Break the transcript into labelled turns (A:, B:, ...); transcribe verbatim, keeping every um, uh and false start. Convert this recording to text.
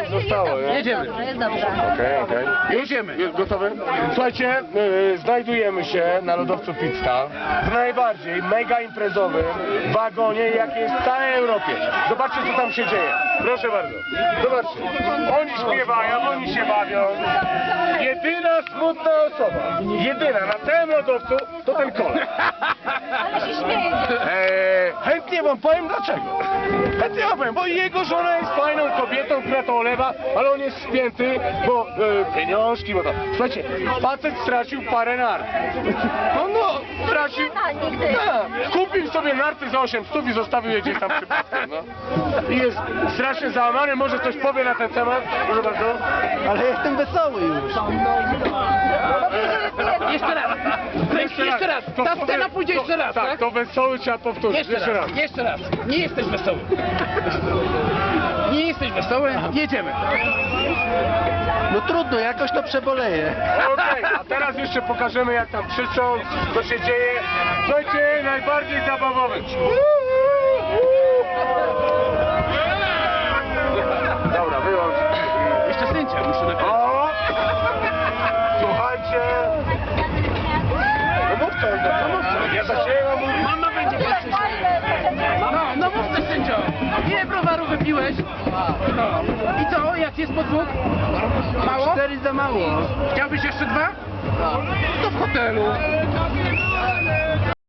A: zostało, nie?
B: Jedziemy.
C: Jest dobrze.
A: Okej, okej.
B: Jedziemy.
A: Jest gotowy? Słuchajcie, yy, znajdujemy się na lodowcu Pizza w najbardziej mega imprezowym wagonie, jaki jest w całej Europie. Zobaczcie, co tam się dzieje. Proszę bardzo. Zobaczcie. Oni śpiewają, oni się bawią. Jedyna smutna osoba, jedyna na całym lodowcu, to ten koleś.
C: Ale się śmieje.
A: Eee, chętnie wam powiem dlaczego. Chętnie wam powiem, bo jego żona jest fajną kobietą, która to olewa, ale on jest spięty, bo e, pieniążki, bo to. Słuchajcie, facet stracił parę nart. No no, stracił.
C: Nie, nigdy.
A: Tak, kupił sobie narty za osiem stów i zostawił je gdzieś tam przypadkiem, no. I jest strasznie załamany, może coś powie na ten temat, proszę bardzo.
B: Ale jestem wesoły już. Jeszcze raz. Jeszcze, jeszcze raz.
A: To
B: Ta
A: powiem-
B: scena pójdzie
A: to-
B: jeszcze raz, tak?
A: Tak, to wesoły trzeba powtórzyć.
B: Jeszcze raz. Jeszcze raz. Nie jesteś wesoły. Nie jesteś wesoły. Jedziemy. No trudno, jakoś to przeboleję.
A: Okej, a teraz jeszcze pokażemy, jak tam krzyczą, co się dzieje. Słuchajcie, najbardziej zabawowy. Dobra, wyłącz.
B: Jeszcze sędzia muszę napisać.
A: O! Słuchajcie. No mów co, no mów co. Ja zaczęłam mówić.
B: Mama będzie pierwsza. No, no mów coś, sędzio. Ile browaru wypiłeś? No. I co, jak jest podwóg? Mało? Cztery za mało. Chciałbyś jeszcze dwa? To w hotelu.